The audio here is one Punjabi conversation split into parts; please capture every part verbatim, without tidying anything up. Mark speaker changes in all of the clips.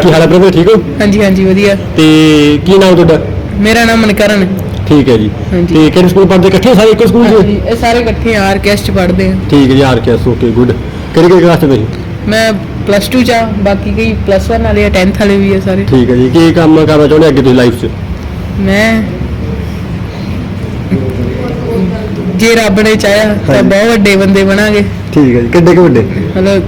Speaker 1: ਕੀ ਹਾਲ ਹੈ ਬ੍ਰਦਰ, ਠੀਕ ਹੋ?
Speaker 2: ਹਾਂਜੀ ਹਾਂਜੀ ਵਧੀਆ।
Speaker 1: ਤੇ ਕੀ ਨਾਮ ਤੁਹਾਡਾ?
Speaker 2: ਮੇਰਾ ਨਾਮ ਮਨਕਰਨ ਹੈ।
Speaker 1: ਠੀਕ ਹੈ ਜੀ।
Speaker 2: ਹਾਂਜੀ।
Speaker 1: ਤੇ ਕਿਹੜੇ ਸਕੂਲ ਪੜ੍ਹਦੇ? ਇਕੱਠੇ ਸਾਰੇ ਇੱਕੋ ਸਕੂਲ 'ਚ?
Speaker 2: ਹਾਂਜੀ, ਇਹ ਸਾਰੇ ਇਕੱਠੇ ਆਰ ਕੇ ਐਸ ਚ ਪੜ੍ਹਦੇ ਆ।
Speaker 1: ਠੀਕ ਹੈ ਜੀ, R K S, okay good. ਕਿਹੜੀ ਕਿਹੜੀ ਕਲਾਸ 'ਚ ਤੁਸੀਂ?
Speaker 2: ਮੈਂ ਪਲੱਸ ਟੂ ਚ ਆ, ਬਾਕੀ ਕਈ ਪਲੱਸ ਵਨ ਵਾਲੇ ਆ, ਟੈਂਥ ਵਾਲੇ ਵੀ ਆ ਸਾਰੇ।
Speaker 1: ਠੀਕ ਹੈ ਜੀ। ਕੀ ਕੰਮ ਕਰਨਾ ਚਾਹੁੰਦੇ ਅੱਗੇ ਤੁਸੀਂ ਲਾਈਫ 'ਚ?
Speaker 2: ਮੈਂ ਜੇ ਰੱਬ ਨੇ ਚਾਹਿਆ ਤਾਂ ਬਹੁਤ ਵੱਡੇ ਬੰਦੇ ਬਣਾਂਗੇ।
Speaker 1: ਠੀਕ ਹੈ ਜੀ। ਕਿੱਡੇ ਕੁ ਵੱਡੇ?
Speaker 2: ਮਤਲਬ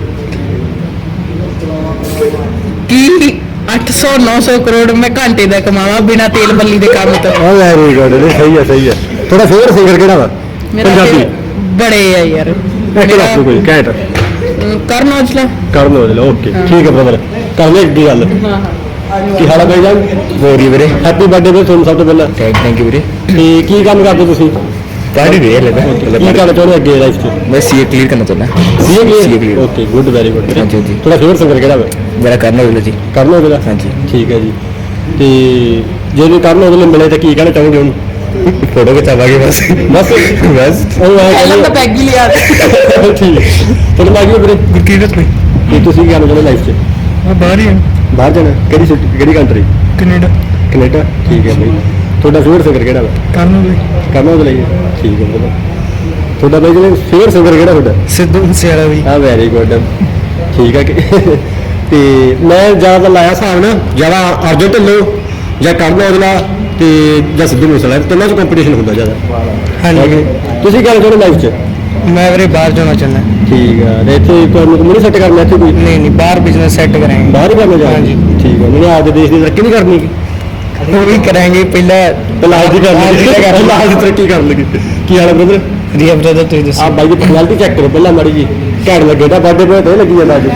Speaker 2: ਕੀ ਅੱਠ ਸੌ ਨੌ ਸੌ ਕਰੋੜ ਮੈਂ ਘੰਟੇ ਦਾ ਕਮਾਵਾਂ ਬਿਨਾਂ ਤੇਲ ਬੱਲੀ ਦੇ ਕੰਮ ਤੋਂ।
Speaker 1: ਆ ਵੈਰੀ ਗੁੱਡ, ਸਹੀ ਹੈ ਸਹੀ ਹੈ। ਤੁਹਾਡਾ ਫੇਵਰਟ ਸਿੰਗਰ ਕਿਹੜਾ ਵਾ
Speaker 2: ਮੇਰਾ
Speaker 1: ਪੰਜਾਬੀ?
Speaker 2: ਬੜੇ ਆ ਯਾਰ।
Speaker 1: ਇੱਕ ਦੱਸ ਦਿਓ ਕੋਈ ਘੈਂਟ।
Speaker 2: ਕਰਨ ਔਜਲਾ।
Speaker 1: ਕਰਨ ਔਜਲਾ, ਓਕੇ ਠੀਕ ਹੈ ਬ੍ਰਦਰ। ਕਰ ਲੈ ਅੱਗੇ ਗੱਲ।
Speaker 2: ਹਾਂ
Speaker 1: ਕੀ ਹਾਲ ਹੈ ਬਾਈ ਜਾਨ?
Speaker 3: ਹੋਰ ਜੀ ਵੀਰੇ,
Speaker 1: ਹੈਪੀ ਬਰਥਡੇ ਵੀਰੇ ਤੁਹਾਨੂੰ ਸਭ ਤੋਂ ਪਹਿਲਾਂ।
Speaker 3: ਥੈਂਕ ਯੂ ਵੀਰੇ।
Speaker 1: ਤੇ ਕੀ ਕੰਮ ਕਰਦੇ ਤੁਸੀਂ?
Speaker 3: ਪੜ੍ਹ ਰਹੇ ਲੈ
Speaker 1: ਕੀ ਕਰਨਾ ਚਾਹੁੰਦੇ ਅੱਗੇ ਲਾਈਫ 'ਚ?
Speaker 3: ਮੈਂ ਸੀਏ ਕਲੀਅਰ ਕਰਨਾ ਚਾਹੁੰਦਾ।
Speaker 1: CA
Speaker 3: CA
Speaker 1: clear, okay good, very good.
Speaker 3: ਹਾਂਜੀ ਹਾਂਜੀ।
Speaker 1: ਤੁਹਾਡਾ ਫੇਵਰਟ ਸਿੰਗਰ ਕਿਹੜਾ ਵਾ?
Speaker 3: ਮੇਰਾ ਕਰਨ ਔਜਲਾ ਜੀ।
Speaker 1: ਕਰਨ ਔਜਲਾ,
Speaker 3: ਹਾਂਜੀ
Speaker 1: ਠੀਕ ਹੈ ਜੀ। ਤੇ ਜੇ ਤੁਸੀਂ ਕਰਨ ਔਜਲਾ ਮਿਲੇ ਤਾਂ ਕੀ ਕਹਿਣਾ ਚਾਹੋਗੇ ਉਹਨੂੰ?
Speaker 3: ਫੋਟੋ ਖਿਚਾਵਾਂਗੇ ਬਸ
Speaker 1: ਬਸ
Speaker 3: ਬਸ।
Speaker 1: ਉਹ ਐਂ
Speaker 2: ਪਹਿਲਾਂ ਤਾਂ
Speaker 1: ਕਹਿੰਦੇ-
Speaker 2: ਪੈਗ ਹੀ ਲਿਆ ਦੇ।
Speaker 1: ਠੀਕ। ਤੁਹਾਨੂੰ ਲੱਗ ਗਿਆ ਵੀਰੇ
Speaker 3: ਗੁਰਕੀਰਤ ਭਾਈ,
Speaker 1: ਕਿ ਤੁਸੀਂ ਕੀ ਕਰਨਾ ਚਾਹੁੰਦੇ ਲਾਈਫ 'ਚ?
Speaker 3: ਮੈਂ ਬਾਹਰ ਹੀ ਹਾਂ।
Speaker 1: ਬਾਹਰ ਜਾਣਾ? ਕਿਹੜੀ ਸਿਟੀ, ਕਿਹੜੀ ਕੰਟਰੀ?
Speaker 3: ਕੈਨੇਡਾ।
Speaker 1: ਕੈਨੇਡਾ, ਠੀਕ ਹੈ ਬਾਈ। ਤੁਹਾਡਾ ਫੇਵਰਟ ਸਿੰਗਰ ਕਿਹੜਾ ਵਾ?
Speaker 3: ਕਰਨ ਔਜਲਾ।
Speaker 1: ਕਰਨ ਔਜਲਾ ਜੀ, ਠੀਕ ਹੈ ਬ੍ਰਦਰ। ਤੁਹਾਡਾ ਬਾਈ ਜਿਹੜੇ ਫੇਵਰਟ ਸਿੰਗਰ ਕਿਹੜਾ ਤੁਹਾਡਾ?
Speaker 3: ਸਿੱਧੂ ਮੂਸੇਵਾਲਾ ਵੀ।
Speaker 1: ਹਾਂ ਵੈਰੀ ਗੁੱਡ, ਠੀਕ ਹੈ। ਕਿ ਤੇ ਮੈਂ ਜ਼ਿਆਦਾ ਲਾਇਆ ਹਿਸਾਬ ਨਾ, ਜ਼ਿਆਦਾ ਅਰਜਨ ਢਿੱਲੋਂ ਜਾਂ ਕਰਨ ਔਜਲਾ ਤੇ ਜਾਂ ਸਿੱਧੂ ਮੂਸੇਵਾਲਾ, ਤਿੰਨਾਂ 'ਚ ਕੰਪੀਟੀਸ਼ਨ ਹੁੰਦਾ ਜ਼ਿਆਦਾ।
Speaker 3: ਹਾਂਜੀ।
Speaker 1: ਤੁਸੀਂ ਕੀ ਚਾਹੁੰਦੇ ਲਾਈਫ 'ਚ?
Speaker 3: ਮੈਂ ਵੀਰੇ ਬਾਹਰ ਜਾਣਾ ਚਾਹੁੰਦਾ।
Speaker 1: ਠੀਕ ਆ। ਤੇ ਇੱਥੇ ਤੁਹਾਨੂੰ ਨਹੀਂ ਸੈੱਟ ਕਰਨਾ ਇੱਥੇ ਕੋਈ?
Speaker 3: ਨਹੀਂ ਨਹੀਂ, ਬਾਹਰ ਬਿਜ਼ਨਸ ਸੈੱਟ ਕਰਾਂਗੇ।
Speaker 1: ਬਾਹਰ ਹੀ ਕਰਨਾ ਚਾਹੁੰਦੇ?
Speaker 3: ਹਾਂਜੀ।
Speaker 1: ਠੀਕ ਹੈ। ਮੈਨੂੰ ਆਪਦੇ ਦੇਸ਼ ਦੀ ਤਰੱਕੀ ਨਹੀਂ ਕਰਨੀ?
Speaker 3: ਉਹ ਵੀ ਕਰਾਂਗੇ, ਪਹਿਲਾਂ
Speaker 1: ਪਹਿਲਾਂ ਅੱਜ ਦੀ ਕਰਨੀ, ਪਹਿਲਾਂ ਅੱਜ ਦੀ ਤਰੱਕੀ ਕਰ ਲਗੀ। ਕੀ ਹਾਲ ਹੈ ਬ੍ਰਦਰ?
Speaker 3: ਰੀਆ ਬ੍ਰਦਰ ਤੁਸੀਂ ਦੱਸੋ।
Speaker 1: ਆ ਬਾਈ ਦੀ ਪਰਸਨੈਲਿਟੀ ਚੈੱਕ ਕਰੋ ਪਹਿਲਾਂ ਮਾੜੀ ਜੀ। ਘੈਂਟ ਲੱਗੇ ਤਾਂ ਬਰਥਡੇ ਤੇ ਲੱਗੀ ਜਾਂਦਾ ਅੱਜ।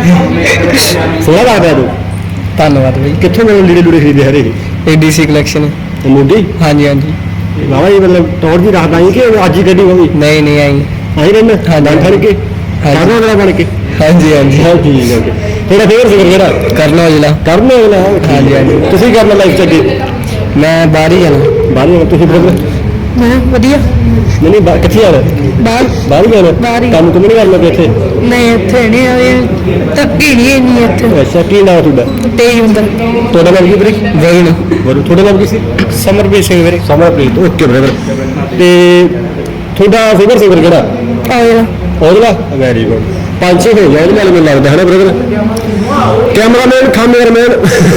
Speaker 1: ਸੋਹਣਾ ਲੱਗਦਾ ਤੂੰ।
Speaker 3: ਧੰਨਵਾਦ ਬਾਈ।
Speaker 1: ਕਿੱਥੋਂ ਮੈਨੂੰ ਲੀੜੇ ਲੂੜੇ ਖਰੀਦੇ ਹਰੇ?
Speaker 3: ADC collection.
Speaker 1: ਮੋਢੀ?
Speaker 3: ਹਾਂਜੀ ਹਾਂਜੀ।
Speaker 1: ਬਾਬਾ ਜੀ ਮਤਲਬ ਟੌਰ ਜੀ ਰੱਖਦਾ ਹੀ ਕਿ ਅੱਜ ਹੀ ਗੱਡੀ ਹੋਈ?
Speaker 3: ਨਹੀਂ ਨਹੀਂ ਆਈ।
Speaker 1: ਆਹੀ ਰਹਿਣਾ
Speaker 3: ਹਾਂਜੀ।
Speaker 1: ਬਣ ਕੇ
Speaker 3: ਹਾਂਜੀ।
Speaker 1: ਕਰਨਾ ਵਾਲਾ ਬਣ ਕੇ।
Speaker 3: ਹਾਂਜੀ ਹਾਂਜੀ।
Speaker 1: ਹਾਂ ਠੀਕ ਹੈ। ਤੁਹਾਡਾ ਫੇਵਰਟ ਸਿੰਗਰ ਕਿਹੜਾ?
Speaker 3: ਕਰਨ ਔਜਲਾ।
Speaker 1: ਕਰਨ ਔਜਲਾ,
Speaker 3: ਹਾਂਜੀ, ਹਾਂਜੀ।
Speaker 1: ਤੁਸੀਂ ਕਰਨਾ ਲਾਈਫ 'ਚ ਅੱਗੇ?
Speaker 3: ਮੈਂ ਬਾਹਰ ਹੀ ਜਾਣਾ।
Speaker 1: ਬਾਹਰ ਜਾਣਾ? ਤੁਸੀਂ ਬ੍ਰਦਰ?
Speaker 2: ਮੈਂ ਵਧੀਆ।
Speaker 1: ਨਹੀਂ ਨਹੀਂ, ਬਾ- ਕਿੱਥੇ ਜਾਣਾ?
Speaker 2: ਬਾਹਰ
Speaker 1: ਬਾਹਰ ਹੀ ਜਾਣਾ?
Speaker 2: ਬਾਹਰ ਹੀ।
Speaker 1: ਕੰਮ ਕੁਮ ਨਹੀਂ ਕਰਨਾ ਪਿਆ ਇੱਥੇ?
Speaker 2: ਨਹੀਂ ਇੱਥੇ ਨਹੀਂ ਆਏ, ਧੱਕੀ ਨਹੀਂ ਇੰਨੀ ਇੱਥੇ।
Speaker 1: ਅੱਛਾ, ਕੀ ਨਾਮ ਤੁਹਾਡਾ?
Speaker 2: ਤੇਜ ਹੁੰਦਾ।
Speaker 1: ਤੁਹਾਡਾ ਨਾਮ ਕੀ ਵੀਰੇ?
Speaker 3: ਵੈਗਨ।
Speaker 1: ਬਰੋ, ਤੁਹਾਡਾ ਨਾਮ ਕੀ ਸੀ?
Speaker 3: ਸਮਰਪ੍ਰੀਤ ਸਿੰਘ ਵੀਰੇ।
Speaker 1: Samarpreet, okay brother. ਤੇ ਤੁਹਾਡਾ ਫੇਵਰਟ ਸਿੰਗਰ ਕਿਹੜਾ?
Speaker 2: ਔਜਲਾ।
Speaker 1: Aujla, very good. ਪੰਜ ਛੇ ਹੋ ਗਿਆ ਇਹਦੇ ਨਾਲ ਮੈਨੂੰ ਲੱਗਦਾ ਹੈ ਨਾ ਬ੍ਰਦਰ? ਕੈਮਰਾਮੈਨ ਖਾਮੇਰਮੈਨ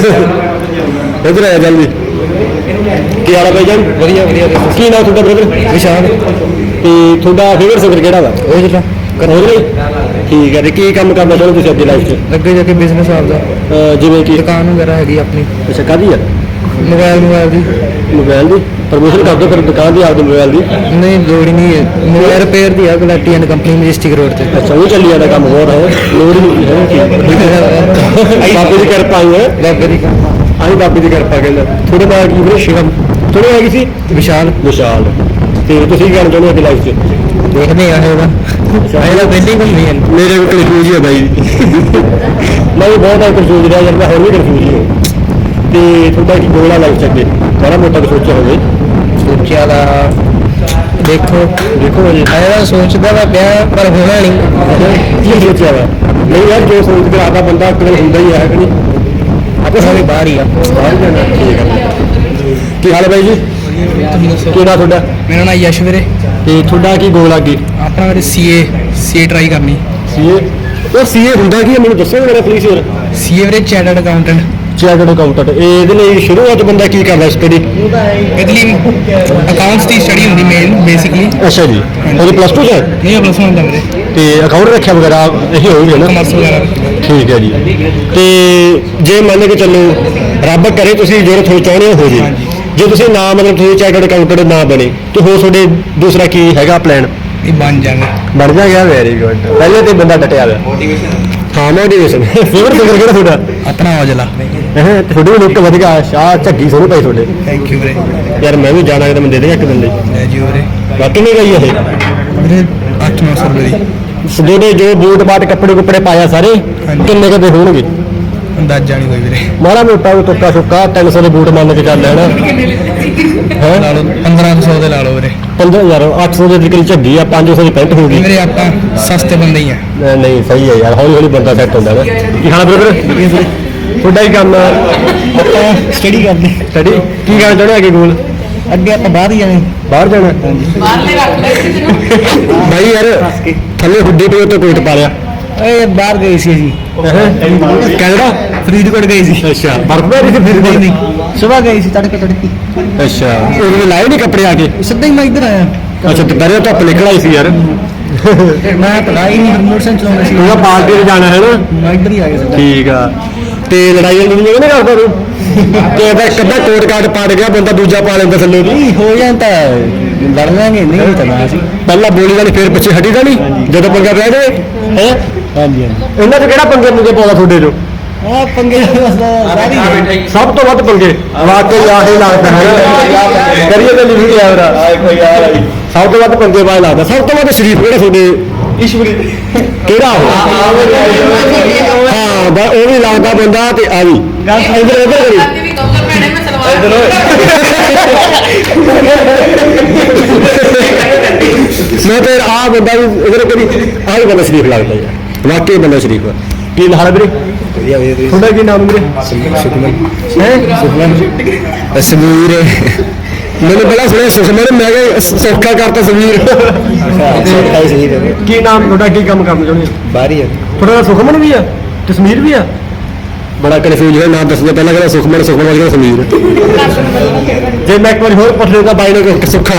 Speaker 1: ਇੱਧਰ ਆਇਆ ਜਲਦੀ। ਕੀ ਹਾਲ ਹੈ ਭਾਈ ਜਾਨ?
Speaker 3: ਵਧੀਆ ਵਧੀਆ।
Speaker 1: ਕੀ ਨਾਮ ਤੁਹਾਡਾ ਬ੍ਰਦਰ?
Speaker 3: ਵਿਸ਼ਾਲ।
Speaker 1: ਤੇ ਤੁਹਾਡਾ ਫੇਵਰਟ ਸਿੰਗਰ ਕਿਹੜਾ ਵਾ?
Speaker 3: ਔਜਲਾ।
Speaker 1: ਔਜਲਾ ਹੀ? ਠੀਕ ਹੈ। ਤੇ ਕੀ ਕੰਮ ਕਰਨਾ ਚਾਹੁੰਦੇ ਤੁਸੀਂ ਅੱਗੇ ਲਾਈਫ 'ਚ?
Speaker 3: ਅੱਗੇ ਜਾ ਕੇ ਬਿਜ਼ਨਸ ਆਪਦਾ,
Speaker 1: ਅਹ ਜਿਵੇਂ ਕਿ
Speaker 3: ਦੁਕਾਨ ਵਗੈਰਾ ਹੈਗੀ ਆਪਣੀ,
Speaker 1: ਅੱਛਾ, ਕਾਹਦੀ ਆ?
Speaker 3: ਮੋਬਾਈਲ ਮੋਬਾਈਲ ਦੀ।
Speaker 1: ਮੋਬਾਈਲ ਦੀ ਪ੍ਰਮੋਸ਼ਨ ਕਰ ਦਿਓ ਫਿਰ ਦੁਕਾਨ ਦੀ, ਆਪਦੇ ਮੋਬਾਈਲ ਦੀ।
Speaker 3: ਨਹੀਂ ਲੋੜ ਹੀ ਨਹੀਂ ਹੈ, ਮੋਬਾਈਲ ਰਿਪੇਅਰ ਦੀ ਆ, Galati and company Majestic road ਤੇ।
Speaker 1: ਅੱਛਾ, ਉਹ ਚੱਲੀ ਜਾਂਦਾ ਕੰਮ ਹੋਰ ਹੈ, ਲੋੜ ਹੀ ਨਹੀਂ ਹੈ। ਬਾਬੇ ਦੀ ਕਿਰਪਾ ਆਈ ਹੈ।
Speaker 3: ਬਾਬੇ ਦੀ ਕਿਰਪਾ।
Speaker 1: ਆਹੀ ਬਾਬੇ ਦੀ ਕਿਰਪਾ ਕਹਿੰਦਾ। ਤੁਹਾਡੇ ਨਾਲ ਕੀ ਵੀਰੇ? ਸ਼ਿਵਮ। ਤੁਹਾਡੇ ਨਾਲ ਕੀ ਸੀ?
Speaker 3: ਵਿਸ਼ਾਲ।
Speaker 1: ਵਿਸ਼ਾਲ। ਤੇ ਤੁਸੀਂ ਕੀ ਕਰਨਾ ਚਾਹੁੰਦੇ ਹੋ ਅੱਗੇ ਲਾਈਫ 'ਚ?
Speaker 3: ਦੇਖਦੇ ਆ ਇਹਦਾ। ਇਹਦਾ ਪਹਿਲੀ ਘੁੰਮੀ ਹੈ।
Speaker 1: ਮੇਰੇ ਵੀ ਕਨਫਿਊਜ਼ ਹੈ ਬਾਈ। ਮੈਂ ਵੀ ਬਹੁਤ ਕਨਫਿਊਜ਼ ਰਿਹਾ ਯਾਰ, ਮੈਂ ਹੋਰ ਵੀ ਕਨਫਿਊਜ਼ ਹੀ ਹਾਂ। ਤੇ ਤੁਹਾਡਾ ਕੀ ਗੋਲ ਆ ਲਾਈਫ 'ਚ ਅੱਗੇ? ਬੜਾ ਮੋਟਾ ਕੁਛ ਸੋਚਿਆ ਹੋਵੇ?
Speaker 3: ਸੋਚਿਆ ਦਾ ਦੇਖੋ
Speaker 1: ਦੇਖੋ ਜੀ,
Speaker 3: ਇਹਦਾ ਸੋਚਦਾ ਤਾਂ ਪਿਆ ਪਰ ਹੋਣਾ ਨਹੀਂ।
Speaker 1: ਕੀ ਸੋਚਿਆ ਵਾ? ਨਹੀਂ ਯਾਰ, ਜੋ ਸੋਚ ਕੇ ਆਦਾ ਬੰਦਾ ਅਕਲ ਹੁੰਦਾ ਹੀ ਹੈ ਕਿ ਨਹੀਂ?
Speaker 3: ਆਪਾਂ ਸਾਰੇ ਬਾਹਰ ਹੀ ਆ।
Speaker 1: ਬਾਹਰ ਜਾਣਾ, ਠੀਕ ਹੈ। ਕੀ ਹਾਲ ਹੈ ਬਾਈ ਜੀ?
Speaker 3: ਤੁਸੀਂ ਦੱਸੋ।
Speaker 1: ਕੀ ਨਾਮ ਤੁਹਾਡਾ?
Speaker 3: ਮੇਰਾ ਨਾਮ ਯਸ਼ ਵੀਰੇ।
Speaker 1: ਤੇ ਤੁਹਾਡਾ ਕੀ ਗੋਲ ਆ ਅੱਗੇ?
Speaker 3: ਆਪਣਾ ਵੀਰੇ ਸੀਏ ਸੀਏ ਟਰਾਈ ਕਰਨੀ।
Speaker 1: ਸੀਏ? ਉਹ ਸੀਏ ਹੁੰਦਾ ਕੀ ਹੈ ਮੈਨੂੰ ਦੱਸੋ ਮੇਰਾ ਪਲੀਜ਼ ਯਾਰ।
Speaker 3: ਸੀਏ ਵੀਰੇ ਚਾਰਟਰਡ ਅਕਾਊਂਟੈਂਟ।
Speaker 1: Chartered accountant. ਇਹਦੇ ਲਈ ਸ਼ੁਰੂਆਤ ਬੰਦਾ ਕੀ ਕਰਦਾ ਸਟੱਡੀ?
Speaker 3: ਇਹਦੇ ਲਈ ਅਕਾਊਂਟਸ ਦੀ ਸਟੱਡੀ ਹੁੰਦੀ ਮੇਨ ਬੇਸਿਕਲੀ।
Speaker 1: ਅੱਛਾ ਜੀ। ਉਹਦੇ ਪਲੱਸ ਟੂ 'ਚ ਹੈ?
Speaker 3: ਨਹੀਂ ਪਲੱਸ ਵਨ ਦਾ ਵੀਰੇ।
Speaker 1: ਤੇ ਅਕਾਊਂਟ ਰੱਖਿਆ ਵਗੈਰਾ ਇਹੀ ਹੋਊਗਾ ਨਾ?
Speaker 3: ਕਮਰਸ ਵਗੈਰਾ।
Speaker 1: ਠੀਕ ਹੈ ਜੀ। ਤੇ ਜੇ ਮੰਨ ਕੇ ਚੱਲੋ ਰੱਬ ਕਰੇ ਤੁਸੀਂ ਜਿਹੜੇ ਤੁਹਾਨੂੰ ਚਾਹੁੰਦੇ ਹੋ ਜੇ, ਜੇ ਤੁਸੀਂ ਨਾ ਮਤਲਬ ਤੁਸੀਂ ਚਾਰਟਰਡ ਅਕਾਊਂਟੈਂਟ ਨਾ ਬਣੇ ਤੇ ਹੋਰ ਤੁਹਾਡੇ ਦੂਸਰਾ ਕੀ ਹੈਗਾ ਪਲਾਨ?
Speaker 3: ਇਹ ਬਣ ਜਾਵੇ।
Speaker 1: ਬਣ ਜਾ ਗਿਆ, ਵੈਰੀ ਗੁੱਡ। ਪਹਿਲੇ ਤੇ ਬੰਦਾ ਡਟਿਆ ਹੋਇਆ। ਹਾਂ, ਮੋਟੀਵੇਸ਼ਨ। ਫੇਵਰਟ ਸਿੰਗਰ ਕਿਹੜਾ ਤੁਹਾਡਾ?
Speaker 3: ਆਪਣਾ ਔਜਲਾ।
Speaker 1: ਹੈ ਤੁਹਾਡੇ ਵੀ ਲੁੱਕ ਵਧੀਆ, ਸ਼ਾਹ ਝੱਗੀ ਸੋਹਣੀ ਪਾਈ ਤੁਹਾਡੇ।
Speaker 3: ਥੈਂਕ ਯੂ ਵੀਰੇ।
Speaker 1: ਯਾਰ ਮੈਂ ਵੀ ਜਾਣਾ ਕਿਤੇ, ਮੈਂ ਦੇ ਦੇਗਾ ਇੱਕ ਦਿਨ ਲਈ।
Speaker 3: ਲੈ ਜੀ ਵੀਰੇ।
Speaker 1: ਬਾਕੀ ਨਹੀਂ ਗਈ ਇਹ
Speaker 3: ਵੀਰੇ ਅੱਠ ਨੌ ਸੌ ਰੁਪਏ ਦੀ।
Speaker 1: ਜਿਹੜੇ ਜੋ ਬੂਟ ਬਾਟ ਕੱਪੜੇ ਕੁੱਪੜੇ ਪਾਇਆ ਸਾਰੇ ਕਿੰਨੇ ਕਦੇ ਹੋਣਗੇ?
Speaker 3: ਅੰਦਾਜ਼ਾ ਨਹੀਂ ਕੋਈ ਵੀਰੇ।
Speaker 1: ਮਾੜਾ ਮੋਟਾ ਉਹ ਤੁੱਕਾ ਸੁੱਕਾ ਤਿੰਨ ਸੌ ਦੇ ਬੂਟ ਮੰਨ ਕੇ ਚੱਲ ਲੈਣਾ ਹੈ।
Speaker 3: ਲਾ ਲਓ ਪੰਦਰਾਂ ਸੌ ਦੇ ਲਾ ਲਓ ਵੀਰੇ।
Speaker 1: ਪੰਦਰਾਂ ਹਜ਼ਾਰ ਅੱਠ ਸੌ ਦੇ ਤਕਰੀਬਨ ਝੱਗੀ ਆ, ਪੰਜ ਸੌ ਦੀ ਪੈਂਟ ਹੋ ਗਈ।
Speaker 3: ਵੀਰੇ ਆਪਾਂ ਸਸਤੇ ਬੰਦੇ ਹੀ ਆ।
Speaker 1: ਨਹੀਂ ਸਹੀ ਹੈ ਯਾਰ, ਹੌਲੀ ਹੌਲੀ ਬੰਦਾ ਸੈੱਟ ਹੁੰਦਾ ਨਾ। ਕੀ ਹਾਲ ਬ੍ਰਦਰ? ਤੁਹਾਡਾ ਹੀ ਕੰਮ
Speaker 3: ਆਪਾਂ ਸਟੱਡੀ ਕਰਦੇ
Speaker 1: ਸਟੱਡੀ ਕੀ ਕਰਨਾ ਚਾਹੁੰਦੇ ਅੱਗੇ ਗੋਲ
Speaker 3: ਅੱਗੇ ਆਪਾਂ ਬਾਹਰ ਹੀ ਜਾਣਾ
Speaker 1: ਬਾਹਰ ਜਾਣਾ
Speaker 2: ਬਾਹਰਲੇ ਰੱਖ ਲੈ ਕਿਸੇ ਨੂੰ
Speaker 1: ਬਾਈ ਯਾਰ ਥੱਲੇ ਹੁੱਡੀ ਪਈ ਉੱਤੇ ਕੋਟ ਪਾ ਲਿਆ
Speaker 3: ਏ ਬਾਹਰ ਗਏ ਸੀ ਅਸੀਂ
Speaker 1: ਕੈਨੇਡਾ
Speaker 3: ਫਰੀਦਕੋਟ ਗਏ ਸੀ
Speaker 1: ਅੱਛਾ ਬਰਫ ਪੈ ਰਹੀ ਸੀ ਫਿਰ
Speaker 3: ਨਹੀਂ ਨਹੀਂ ਸਵੇਰ ਗਏ ਸੀ ਤੜਕੇ ਤੜਕੀ
Speaker 1: ਅੱਛਾ ਉਹਨੇ ਲਾਏ ਨਹੀਂ ਕੱਪੜੇ ਆ ਕੇ
Speaker 3: ਸਿੱਧਾ ਹੀ ਮੈਂ ਇੱਧਰ ਆਇਆ
Speaker 1: ਅੱਛਾ ਦੁਪਹਿਰੇ ਧੁੱਪ ਨਿਕਲ ਆਈ ਸੀ ਯਾਰ
Speaker 3: ਮੈਂ ਪੜਾਈ ਨਹੀਂ ਮੋਟਰਸਾਈਕਲ ਚਲਾਉਣਾ ਸੀ
Speaker 1: ਉਹਦਾ ਪਾਰਟੀ ਤੇ ਜਾਣਾ ਹੈ ਨਾ
Speaker 3: ਮੈਂ ਇੱਧਰ ਹੀ ਆ ਗਿਆ ਸਿੱਧਾ
Speaker 1: ਠੀਕ ਆ ਤੇ ਲੜਾਈਆਂ ਲੜੀਆਂ ਨਹੀਂ ਕਰਦਾ ਤੂੰ ਤੇ ਇਹਦਾ ਇੱਕ ਅੱਧਾ ਕੋਟ ਕਾਟ ਪਾੜ ਗਿਆ ਬੰਦਾ ਦੂਜਾ ਪਾ ਲੈਂਦਾ ਥੱਲੇ ਦੀ
Speaker 3: ਨਹੀਂ ਹੋ ਜਾਂਦਾ ਲੜ ਲਾਂਗੇ ਨਹੀਂ ਤਾਂ ਨਾ ਸੀ
Speaker 1: ਪਹਿਲਾਂ ਬੋਲੀ ਵਾਲੀ ਫੇਰ ਪਿੱਛੇ ਹਟੀ ਦਾ ਨਹੀਂ ਜਦੋਂ ਪੰਗਾ ਪੈ ਜਾਵੇ ਹੈ
Speaker 3: ਹਾਂਜੀ ਹਾਂਜੀ
Speaker 1: ਇਹਨਾਂ 'ਚ ਕਿਹੜਾ ਪੰਗੇ ਮੁੰਗੇ ਪਾਉਂਦਾ ਤੁਹਾਡੇ 'ਚੋਂ
Speaker 3: ਆ ਪੰਗੇ ਸਾਰੀ
Speaker 1: ਸਭ ਤੋਂ ਵੱਧ ਪੰਗੇ ਵਾਕਈ ਆਹੀ ਲੱਗਦਾ ਹੈ ਕਰੀਏ ਤੇ ਲਿਖੀ ਗਿਆ ਵੀਰਾ ਸਭ ਤੋਂ ਵੱਧ ਪੰਗੇ ਬਾਅਦ ਲੱਗਦਾ ਸਭ ਤੋਂ ਵੱਧ ਸ਼ਰੀਫ ਕਿਹੜਾ ਤੁਹਾਡੇ ਈਸ਼ਵਰੀ ਕਿਹੜਾ ਹਾਂ ਬਾ ਉਹ ਵੀ ਲੱਗਦਾ ਬੰਦਾ ਤੇ ਆ ਵੀ ਇਧਰ ਇਧਰ ਕਰੀ
Speaker 2: ਰਾਤੀ ਵੀ ਕਹੂੰਗਾ ਮੈਡਮ ਮੈਂ ਸਲਵਾਰ
Speaker 1: ਮੈਂ ਤੇ ਆ ਬੰਦਾ ਵੀ ਇਧਰ ਕਰੀ ਆਹ ਵੀ ਬੰਦਾ ਸ਼ਰੀਫ ਲੱਗਦਾ ਯਾਰ ਵਾਕਈ ਬੰਦਾ ਸ਼ਰੀਫ ਆ ਕੀ ਹਾਲ ਹੈ ਵੀਰੇ
Speaker 3: ਵਧੀਆ ਵਧੀਆ
Speaker 1: ਤੁਹਾਡਾ ਕੀ ਨਾਮ ਵੀਰੇ
Speaker 3: ਸੁਖਮਨ
Speaker 1: ਹੈ
Speaker 3: ਸੁਖਮਨ ਸਮੀਰ
Speaker 1: ਮੈਨੂੰ ਪਹਿਲਾਂ ਸੁਣਿਆ ਸੁਖਮਨ ਮੈਂ ਕਿਹਾ ਸੌਖਾ ਕਰਤਾ ਸਮੀਰ
Speaker 3: ਸੌਖਾਈ ਸਹੀ ਰਹੇ
Speaker 1: ਕੀ ਨਾਮ ਤੁਹਾਡਾ ਕੀ ਕੰਮ ਕਰਨਾ ਚਾਹੁੰਦੇ ਹੋ
Speaker 3: ਬਾਹਰ ਹੀ ਹੈ
Speaker 1: ਤੁਹਾਡਾ ਸੁਖਮਨ ਵੀ ਆ ਕਸ਼ਮੀਰ ਵੀ ਆ ਬੜਾ ਕਨਫਿਊਜ਼ ਹੈ ਨਾਮ ਦੱਸਦੇ ਪਹਿਲਾਂ ਕਹਿੰਦਾ ਸੁਖਮਨ ਸੁਖਮਨ ਵਾਲੀ ਸਮੀਰ ਜੇ ਮੈਂ ਇੱਕ ਵਾਰੀ ਹੋਰ ਪੁੱਛ ਲੈਂਦਾ ਬਾਈ ਨੂੰ ਕਿ ਸੁੱਖਾ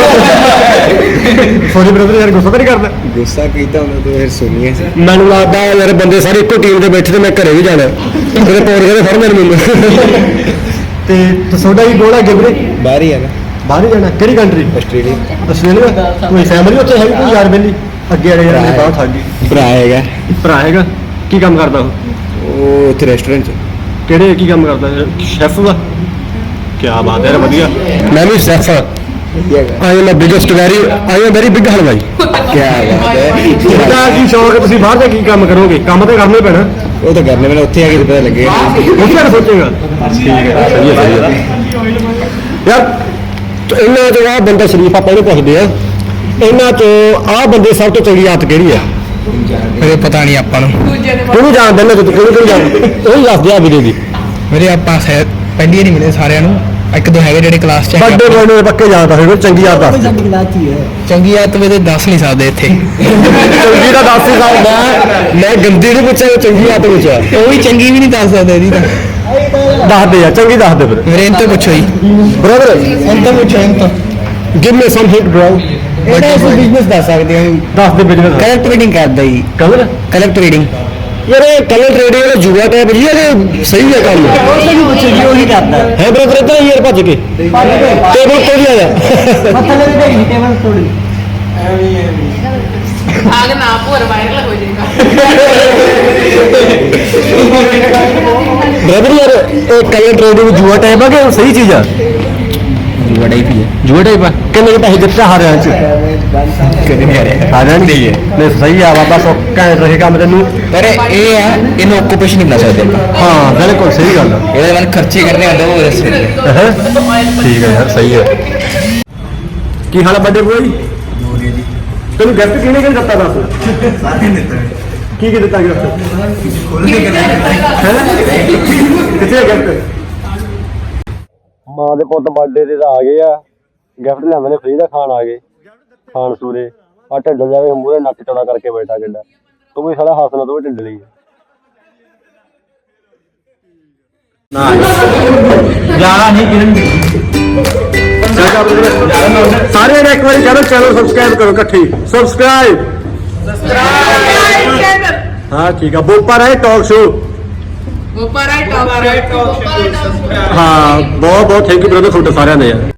Speaker 1: ਸੋਰੀ ਬ੍ਰਦਰ ਯਾਰ ਗੁੱਸਾ ਤਾਂ ਨਹੀਂ ਕਰਦਾ
Speaker 3: ਗੁੱਸਾ ਕੀਤਾ ਉਹਨਾਂ ਤੋਂ ਫਿਰ ਸੁਣੀਏ
Speaker 1: ਮੈਨੂੰ ਲੱਗਦਾ ਯਾਰ ਬੰਦੇ ਸਾਰੇ ਇੱਕੋ ਟੀਮ ਦੇ ਬੈਠੇ ਤੇ ਮੈਂ ਘਰੇ ਵੀ ਜਾਣਾ ਉਹਦੇ ਪੌੜ ਕਹਿੰਦੇ ਫੜ ਮੇਰੇ ਮੈਨੂੰ ਤੇ ਤੁਹਾਡਾ ਕੀ ਗੋਲ ਹੈ ਗਿਬਰੇ
Speaker 3: ਬਾਹਰ ਹੀ ਹੈ ਨਾ
Speaker 1: ਬਾਹਰ ਹੀ ਜਾਣਾ ਕਿਹੜੀ ਕੰਟਰੀ
Speaker 3: ਆਸਟ੍ਰੇਲੀਆ
Speaker 1: ਆਸਟ੍ਰੇਲੀਆ ਕੋਈ ਫੈਮਿਲੀ ਉੱਥੇ ਹੈਗੀ ਕੋਈ ਯਾਰ ਬੇਲੀ ਅੱਗੇ ਵਾਲੇ ਯਾਰ ਬਹੁਤ ਥੱਕ ਗਈ
Speaker 3: ਭਰਾ ਹੈਗਾ
Speaker 1: ਭਰਾ ਹੈਗਾ ਕੀ ਕੰਮ ਕਰਦਾ ਉਹ
Speaker 3: ਉਹ ਉੱਥੇ ਰੈਸਟੋਰੈਂਟ 'ਚ
Speaker 1: ਕਿਹੜੇ ਕੀ ਕੰਮ ਕਰਦਾ ਸ਼ੈਫ ਦਾ ਕੀ ਬਾਤ ਹੈ ਯਾਰ ਵਧੀਆ ਮੈਂ ਵੀ ਸ਼ੈਫ ਹਾਂ
Speaker 3: ਵਧੀਆ ਹੈਗਾ
Speaker 1: I am a biggest very I am very big halwai
Speaker 3: ਕੀ ਬਾਤ ਹੈ
Speaker 1: ਤੁਹਾਡਾ ਕੀ ਸ਼ੌਕ ਹੈ ਤੁਸੀਂ ਬਾਹਰ ਜਾ ਕੀ ਕੰਮ ਕਰੋਗੇ ਕੰਮ ਤਾਂ ਕਰਨਾ ਹੀ ਪੈਣਾ
Speaker 3: ਉਹ ਤਾਂ ਕਰਨੇ ਵਾਲਾ ਉੱਥੇ ਆ ਕੇ ਪਤਾ ਲੱਗੇਗਾ
Speaker 1: ਉਸ ਬਾਰੇ ਸੋਚੇਗਾ ਠੀਕ ਹੈ ਸਹੀ ਹੈ ਸਹੀ ਹੈ ਯਾਰ ਤੇ ਇਹਨਾਂ ਚੋਂ ਆਹ ਬੰਦਾ ਸ਼ਰੀਫ ਆਪਾਂ ਇਹਨੂੰ ਪੁੱਛਦੇ ਆ ਇਹਨਾਂ ਚੋਂ ਆਹ ਬੰਦੇ ਸਭ ਤੋਂ ਚੰਗੀ ਆਦਤ ਕਿਹੜੀ ਆ
Speaker 3: ਮੇਰੇ ਪਤਾ ਨਹੀਂ ਆਪਾਂ ਨੂੰ
Speaker 2: ਦੂਜੇ ਦੇ
Speaker 1: ਕਿਹਨੂੰ ਜਾਣਦੇ ਨੇ ਤੁਸੀਂ ਕਿਹਨੂੰ ਕਿਹਨੂੰ ਜਾਣਦੇ ਉਹੀ ਦੱਸ ਦਿਆ ਵੀਰੇ ਦੀ
Speaker 3: ਮੇਰੇ ਆਪਾਂ ਸ਼ਾਇਦ ਪਹਿਲੀ ਨਹੀਂ ਮਿਲੇ ਸਾਰਿਆਂ ਨੂੰ ਇੱਕ ਦੋ ਹੈਗੇ ਜਿਹੜੇ ਕਲਾਸ 'ਚ ਹੈਗੇ
Speaker 1: ਵੱਡੇ ਬੋਲੇ ਨੂੰ ਪੱਕੇ ਜਾਣਦਾ ਹੋਵੇ ਚੰਗੀ ਆਦਤ ਦੱਸ
Speaker 3: ਚੰਗੀ ਆਦਤ ਵੀ ਤੇ ਦੱਸ ਨਹੀਂ ਸਕਦੇ ਇੱਥੇ
Speaker 1: ਚੰਗੀ ਦਾ ਦੱਸ ਹੀ ਸਕਦਾ ਮੈਂ ਗੰਦੀ ਨਹੀਂ ਪੁੱਛਿਆ ਚੰਗੀ ਆਦਤ ਪੁੱਛਿਆ
Speaker 3: ਉਹ ਵੀ ਚੰਗੀ ਵੀ ਨਹੀਂ ਦੱਸ ਸਕਦੇ ਇਹਦੀ ਤਾਂ
Speaker 1: ਦੱਸ ਦੇ ਯਾਰ ਚੰਗੀ ਦੱਸ ਦੇ ਫਿਰ
Speaker 3: ਮੇਰੇ ਤੋਂ ਪੁੱਛੋ ਜੀ
Speaker 1: ਬ੍ਰਦਰ
Speaker 3: ਇਹਨਾਂ ਤੋਂ ਪੁੱਛੋ ਇਹਨਾਂ ਤੋਂ
Speaker 1: give me some hint bro
Speaker 3: ਇਹਦਾ ਅਸੀਂ ਬਿਜ਼ਨਸ ਦੱਸ ਸਕਦੇ ਹਾਂ
Speaker 1: ਦੱਸ ਦੇ ਬਿਜ਼ਨਸ
Speaker 3: ਕਲਰ ਟ੍ਰੇਡਿੰਗ ਕਰਦਾ ਜੀ
Speaker 1: ਕਲਰ
Speaker 3: ਕਲਰ ਟ੍ਰੇਡਿੰਗ
Speaker 1: ਯਾਰ ਇਹ ਕਲਰ ਟ੍ਰੇਡਿੰਗ ਵਾਲਾ ਜੂਆ ਟਾਈਪ ਜੀ ਇਹ ਸਹੀ ਹੈ ਕੰਮ
Speaker 3: ਉਹ ਪੁੱਛੋ ਜੀ ਉਹੀ ਕਰਦਾ
Speaker 1: ਹੈ ਬ੍ਰਦਰ ਇੱਧਰ ਯਾਰ ਭੱਜ ਕੇ ਟੇਬਲ ਤੋਂ ਵੀ ਆ ਜਾ
Speaker 3: ਮਤਲਬ ਇਹਦਾ ਹੀ ਟੇਬਲ ਥੋੜੀ
Speaker 2: ਆਗ ਨਾ ਭੋਰ ਵਾਇਰਲ ਹੋ ਜਾਏਗਾ
Speaker 1: ਬ੍ਰਦਰ ਯਾਰ ਇਹ ਕਲਰ ਟ੍ਰੇਡਿੰਗ ਜੂਆ ਟਾਈਪ ਆ ਕਿ ਸਹੀ ਚੀਜ਼ ਆ
Speaker 3: ਬੜਾ ਹੀ ਵੀ ਹੈ
Speaker 1: ਜੂਆ ਟਾਈਪ ਆ ਕਿੰਨੇ ਕੁ ਪੈਸੇ ਜਿੱਤਿਆ ਹਾਰਿਆਂ ਚ
Speaker 3: ਕਦੇ ਨਹੀਂ ਆ ਰਿਹਾ
Speaker 1: ਹਾਰਿਆਂ ਨਹੀਂ ਹੈ ਨਹੀਂ ਸਹੀ ਆ ਬਾਬਾ ਸੋ ਘੈਂਟ ਰਹੇ ਕੰਮ ਤੈਨੂੰ
Speaker 3: ਪਰ ਇਹ ਆ ਇਹਨੂੰ ਓਕੂਪੇਸ਼ਨ ਨਹੀਂ ਬਣਾ ਸਕਦੇ ਆਪਾਂ
Speaker 1: ਹਾਂ ਬਿਲਕੁਲ ਸਹੀ ਗੱਲ ਆ
Speaker 3: ਇਹਦੇ ਵੱਲ ਖਰਚੇ ਕਰਨੇ ਹੁੰਦੇ ਉਹ ਰਸਤੇ
Speaker 1: ਹੈਂ? ਠੀਕ ਹੈ ਯਾਰ ਸਹੀ ਹੈ ਕੀ ਹਾਲ ਹੈ ਵੱਡੇ ਬੋਈ ਤੈਨੂੰ ਗਿਫਟ ਕਿਹਨੇ ਕਿਹਨੇ ਦਿੱਤਾ ਦੱਸ ਕੀ ਕੀ ਦਿੱਤਾ ਗਿਫਟ ਕਿੱਥੇ ਗਿਫਟ ਮਾਂ ਦੇ ਪੁੱਤ ਬਰਥਡੇ ਤੇ ਤਾਂ ਆ ਗਏ ਆ ਗਿਫਟ ਲਿਆਂਦੇ ਨੇ ਫ੍ਰੀ ਦਾ ਖਾਣ ਆ ਗਏ ਖਾਣ ਸੂਰੇ ਆ ਢਿੱਡ ਜਾਵੇ ਮੂਹਰੇ ਨੱਕ ਚੌੜਾ ਕਰਕੇ ਬੈਠਾ ਕਿੱਡਾ ਤੂੰ ਵੀ ਸਾਲਾ ਹੱਸਣਾ ਤੂੰ ਵੀ ਢਿੱਡ ਲਈ
Speaker 3: ਜ਼ਿਆਦਾ ਨਹੀਂ ਕਿਰਨ
Speaker 1: ਸਾਰਿਆਂ ਨੇ ਇੱਕ ਵਾਰੀ ਚਲੋ ਚੈਨਲ ਸਬਸਕ੍ਰਾਈਬ ਕਰੋ ਇਕੱਠੀ ਸਬਸਕ੍ਰਾਈਬ ਹਾਂ ਠੀਕ ਆ ਬੋਪਾ ਰਾਏ ਟਾਕ ਸ਼ੋ
Speaker 2: ਉੱਪਰ ਆਈ ਟੌਪ
Speaker 1: ਹਾਂ ਬਹੁਤ ਬਹੁਤ ਥੈਂਕ ਯੂ ਬ੍ਰਦਰ ਤੁਹਾਡੇ ਸਾਰਿਆਂ ਦੇ ਯਾਰ